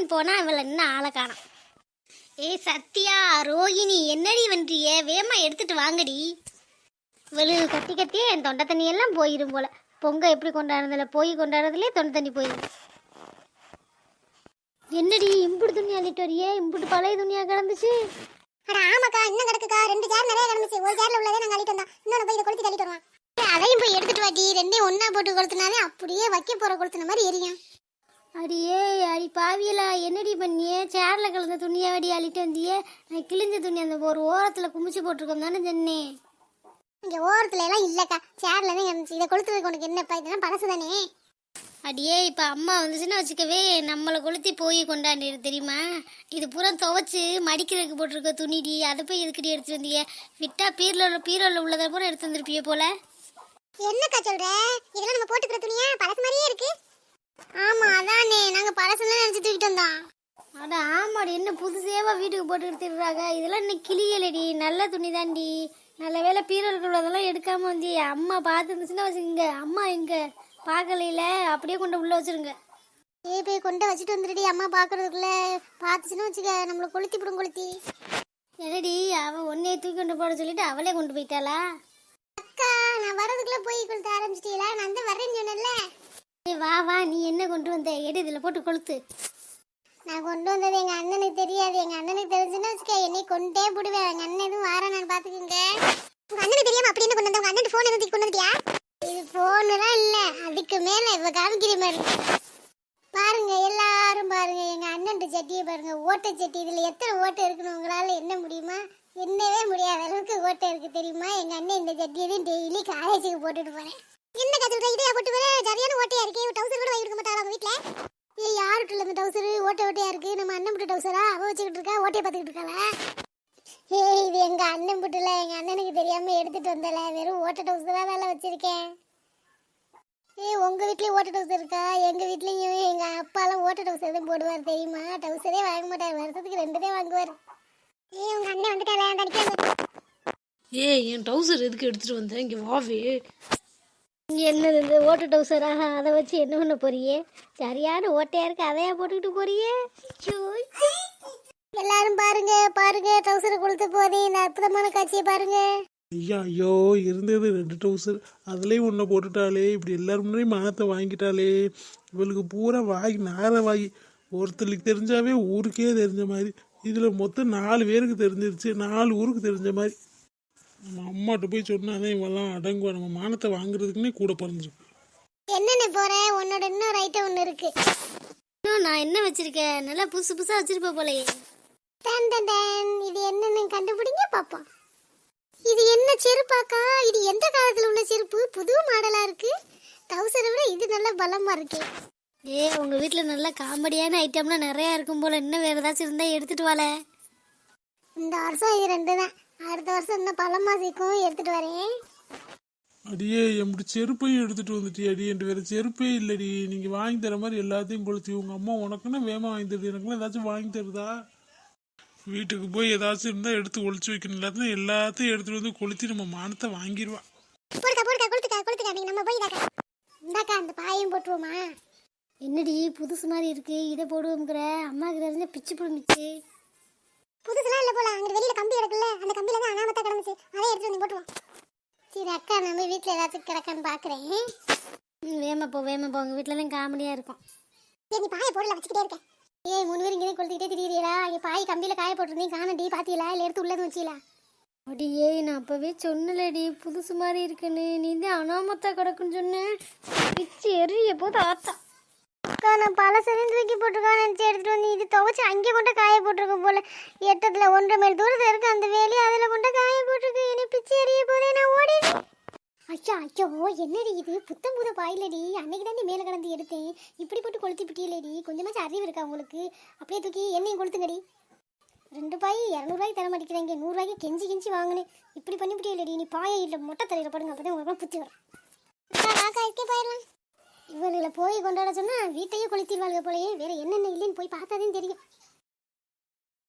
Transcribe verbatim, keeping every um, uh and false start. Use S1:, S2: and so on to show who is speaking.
S1: போறேன்னு போனா இவளை இன்னும் ஆளை காணோம். ஏ சத்யா, ரோஹிணி, என்னடி வன்றிய? வேமா எடுத்துட்டு வாங்கடி. இவளு கத்தி கத்தியே என் தொண்டை தண்ணி எல்லாம் போயிடும் போல. பொங்க எப்படி கொண்டாடுறதுல போய் கொண்டாடுறதுலே தொண்டை தண்ணி போயிடும். என்னடி இம்புட்டு துணி அள்ளிட்டு வரியே? இம்புட்டு பழைய துணியா கிடந்துச்சு.
S2: அட ஆமாக்கா, இன்னும் கிடக்குக்கா. ரெண்டு சேர் நிறைய கிடந்துச்சு. ஒரு சேர்ல உள்ளதே நாங்க அள்ளிட்டு வந்தோம். இன்னொன்னு போய் இதை கொளுத்தி தள்ளிட்டு வருவான்.
S1: அதையும் போய் எடுத்துட்டு வாட்டி. ரெண்டையும் ஒன்னா போட்டு கொளுத்துனாலே அப்படியே வைக்க போற கொளுத்துன மாதிரி எரியும். அடியே அடி பாவியலா, என்னடி பண்ணியே? சேர்ல கலந்த துணியை வடி அள்ளிட்டு வந்தியே. நான் கிழிஞ்ச துணி அந்த ஒரு ஓரத்துல குமிச்சு போட்டிருக்கோம் தானே சொன்னேன்.
S2: இங்க ஓரத்துல எல்லாம் இல்லக்கா, சேர்ல தான் கிடந்துச்சு. இதை கொளுத்துறதுக்கு உனக்கு என்னப்பா? இதெல்லாம் பழசு தானே.
S1: அடியே இப்ப அம்மா வந்துச்சுன்னா வச்சுக்கவே நம்மளை கொளுத்தி போய் கொண்டாடிடு தெரியுமா? இது பூரா துவைச்சு மடிக்கிறதுக்கு போட்டிருக்க துணிடி. அதை போய் எதுக்கடி எடுத்துட்டு வந்திய? விட்டா பீரோல பீரோல உள்ளதை பூரா எடுத்து வந்திருப்பிய போல.
S2: என்னக்கா சொல்ற? இதெல்லாம் நம்ம போட்டுக்கிற துணியா? பழசு மாதிரியே இருக்கு.
S1: ஆமா அதானே, நாங்க பழசெல்லாம் நினைச்சு தூக்கிட்டு வந்தோம். அட ஆமாடி, என்ன புதுசேவா வீட்டுக்கு போட்டு எடுத்துடுறாங்க. இதெல்லாம் இன்னும் கிளியலடி, நல்ல துணி தாண்டி. நல்ல வேலை பீரோல் உள்ளதெல்லாம் எடுக்காம வந்து அம்மா பார்த்துருந்துச்சுன்னா வச்சுக்கோங்க. அம்மா எங்க பார்க்கலையில அப்படியே கொண்டு உள்ள வச்சிருங்க.
S2: ஏ போய் கொண்டு வச்சுட்டு வந்துடுடி. அம்மா பாக்குறதுக்குள்ள பார்த்துச்சுன்னு வச்சுக்க, நம்மள கொளுத்தி விடும் கொளுத்தி.
S1: என்னடி அவ ஒன்னே தூக்கி கொண்டு போட சொல்லிட்டு அவளே கொண்டு போயிட்டாளா?
S2: அக்கா, நான் வரதுக்குள்ள போய் கொளுத்த ஆரம்பிச்சிட்டீங்களா? நான் தான் வரேன்னு சொன்னேன்ல.
S1: வா வா, நீ என்ன கொண்டு வந்த? எடு இதுல போட்டு கொளுத்து.
S2: நான் கொண்டு வந்தது எங்க அண்ணனுக்கு தெரியாது. எங்க அண்ணனுக்கு தெரிஞ்சுன்னா வச்சுக்க, என்னை கொண்டே போடுவேன். எங்க அண்ணன் எதுவும் வார நான் பாத்துக்கோங்க. உங்க அண்ணனுக்கு தெரியாம அப்படி என்ன கொண்டு வந்த? உங்க அண்ணன் போன் எதுவும் கொண்டு வந்துட்டியா? இது போனுலாம் இல்ல, அதுக்கு மேல இவ காமிக்கிற மாதிரி பாருங்க. எல்லாரும் பாருங்க, எங்க அண்ணன் சட்டியை பாருங்க. ஓட்டை சட்டி. இதுல எத்தனை ஓட்டை இருக்குன்னு உங்களால என்ன முடியுமா? என்னவே முடியாத அளவுக்கு ஓட்டை இருக்கு தெரியுமா? எங்க அண்ணன் இந்த சட்டியை டெய்லி காலேஜுக்கு போட்டுட்டு போறேன். என்ன கத்துக்கிட்ட? இதையா போட்டு வர? சரியான ஓட்டையா இருக்கு. டவுசர் கூட வாங்கி கொடுக்க மாட்டாங்க அவங்க வீட்டுல. ஏ யாருட்டு இந்த டவுசர் ஓட்டை ஓட்டையா இருக்கு? நம்ம அண்ணன் புட்டு டவுசரா? அவ வச்சுக்கிட்டு இருக்கா, ஓட்டையை பார்த்துக்கிட்டு இருக்காளா? ஏ இது எங்க அண்ணன் புட்டுல, எங்க அண்ணனுக்கு தெரியாம எடுத்துட்டு வந்தல. வெறும் ஓட்டை டவுசர் தான் வேலை வச்சிருக்கேன். ஏ உங்க வீட்லயும் ஓட்டை டவுசர் இருக்கா? எங்க வீட்லயும் எங்க அப்பாலாம் ஓட்டை டவுசர் தான் போடுவார் தெரியுமா? டவுசரே வாங்க மாட்டார், வருஷத்துக்கு ரெண்டு தான் வாங்குவார். ஏ உங்க அண்ணன் வந்துட்டால தடிக்க.
S3: ஏ என் டவுசர் எதுக்கு எடுத்துட்டு வந்தேன்? இங்க வாவே.
S1: என்னது இந்த ஓட்ட டவுசராக? அதை வச்சு என்ன பண்ண போறியே? சரியான ஓட்டையா இருக்கு, அதையா போட்டுக்கிட்டு போறியே?
S2: எல்லாரும் பாருங்க பாருங்க, டவுசரை கொளுத்த போதே இந்த அற்புதமான காட்சியை பாருங்க.
S4: ஐயா ஐயோ, இருந்தது ரெண்டு டவுசர், அதுலேயும் ஒன்றை போட்டுட்டாலே. இப்படி எல்லாரும் முன்னாடியும் மானத்தை வாங்கிட்டாலே. இவளுக்கு பூரா வாங்கி நார வாங்கி. ஒருத்தருக்கு தெரிஞ்சாவே ஊருக்கே தெரிஞ்ச மாதிரி. இதில் மொத்தம் நாலு பேருக்கு தெரிஞ்சிருச்சு, நாலு ஊருக்கு தெரிஞ்ச மாதிரி. நம்ம அம்மாட்ட போய் சொன்னாதான் இவெல்லாம் அடங்குவா. நம்ம மானத்தை வாங்குறதுக்குன்னே கூட பிறந்திருக்கு.
S2: என்னென்ன போற? உன்னோட இன்னொரு ஐட்டம் ஒன்று இருக்கு.
S1: இன்னும் நான் என்ன வச்சிருக்கேன்? நல்லா புதுசு புதுசா வச்சிருப்ப போலயே.
S2: டன் டன் டன். இது என்னன்னு கண்டுபிடிங்க பாப்போம். இது என்ன செருப்பாக்கா? இது எந்த காலத்துல உள்ள செருப்பு? புது மாடலா இருக்கு. டவுசரை விட இது நல்ல பலமா இருக்கு.
S1: ஏ உங்க வீட்டுல நல்ல காமெடியான ஐட்டம்லாம் நிறைய இருக்கும் போல. இன்னும் வேற ஏதாச்சும் இருந்தா எடுத்துட்டு வாழ.
S2: இந்த வருஷம் இது ரெண்டு தான். அடுத்த வருஷம் இன்னும் பழமா சீக்கும் எடுத்துட்டு வரேன்.
S4: அடியே எப்படி செருப்பையும் எடுத்துட்டு வந்துட்டி? அடி என்கிட்ட வேற செருப்பே இல்லடி. நீங்க வாங்கி தர மாதிரி எல்லாத்தையும் கொளுத்தி. உங்க அம்மா உனக்குன்னா வேமா வாங்கி தருது, எனக்குலாம் ஏதாச்சும் வாங்கி தருதா? வீட்டுக்கு போய் ஏதாச்சும் இருந்தா எடுத்து ஒளிச்சு வைக்கணும். எல்லாத்தையும் எல்லாத்தையும் எடுத்துட்டு வந்து கொளுத்தி நம்ம மானத்தை வாங்கிடுவா.
S2: போடுக்கா போடுக்கா கொளுத்துக்கா கொளுத்துக்கா. நீங்க நம்ம போய் இதாக்கா இந்தாக்கா அந்த பாயையும் போட்டுருவோமா?
S1: என்னடி புதுசு மாதிரி இருக்கு, இதை போடுவோங்கிற? அம்மாவுக்கு தெரிஞ்ச பிச்சு பிடிச்சி.
S2: புதுசுலாம் இல்லை போல. அங்கே வெளியில கம்பி கிடக்குல்ல, அந்த கம்பியில தான் அனாமத்தா கிடந்துச்சு. அதை எடுத்து வந்து போட்டுருவோம். சரி அக்கா, நம்ம வீட்டில் ஏதாச்சும் கிடக்கான்னு பார்க்குறேன்.
S1: வேமா போ வேமா போ, உங்கள் வீட்டில் தான் காமெடியாக இருக்கும்.
S2: சரி நீ பாயை போடல, வச்சுக்கிட்டே இருக்கேன். ஏய் மூணு பேர் இங்கே கொளுத்திக்கிட்டே திரியிறீங்களா? இங்கே பாய் கம்பியில் காய போட்டுருந்தீங்க, காணடி பாத்தீங்களா? இல்லை எடுத்து உள்ளது வச்சீங்களா?
S1: அடி ஏய், நான் அப்போவே சொன்னலடி புதுசு மாதிரி இருக்குன்னு. நீ தான் அனாமத்தா கிடக்குன்னு சொன்னேன். பிச்சு எரிய போது ஆத்தா.
S2: அக்கா நான் பல செறிந்து தூக்கி போட்டிருக்கான்னு நினச்சி எடுத்துகிட்டு வந்து இது துவைச்சி அங்கே கொண்டு காய போட்டிருக்கோம் போல. எட்டத்தில் ஒன்றரை மைல் தூரத்தில் இருக்கு அந்த வேலி, அதில் கொண்டு காய போட்டிருக்கு. என்னை பிச்சு எறிய போதே, நான் ஓடிடுறேன். ஐயா ஐயோ, என்னடி இது? புத்தம் புத பாயிலடி. அன்னைக்கு தாண்டி மேலே கடந்து எடுத்தேன். இப்படி போட்டு கொளுத்தி பிட்டியலடி. கொஞ்சமாச்சும் அறிவு இருக்கா உங்களுக்கு? அப்படியே தூக்கி என்னையும் கொளுத்துங்கடி. ரெண்டு பாய் இரநூறுவாய்க்கு தர மாட்டேங்கிறீங்க, நூறுரூவாய்க்கு கெஞ்சி கெஞ்சி வாங்கினேன். இப்படி பண்ணி பிட்டியலடி. நீ பாயை இல்லை மொட்டை தலையில் படுங்க, அப்போ தான் உங்களுக்கு புத்தி வரும். அக்கா இருக்கே போயிடலாம். இவனுங்களை போய் கொண்டாட சொன்னா வீட்டையே கொளுத்திடுவாளுங்க போலயே. வேற என்னென்ன இல்லைன்னு போய் பார்த்தாதான் தெரியும்.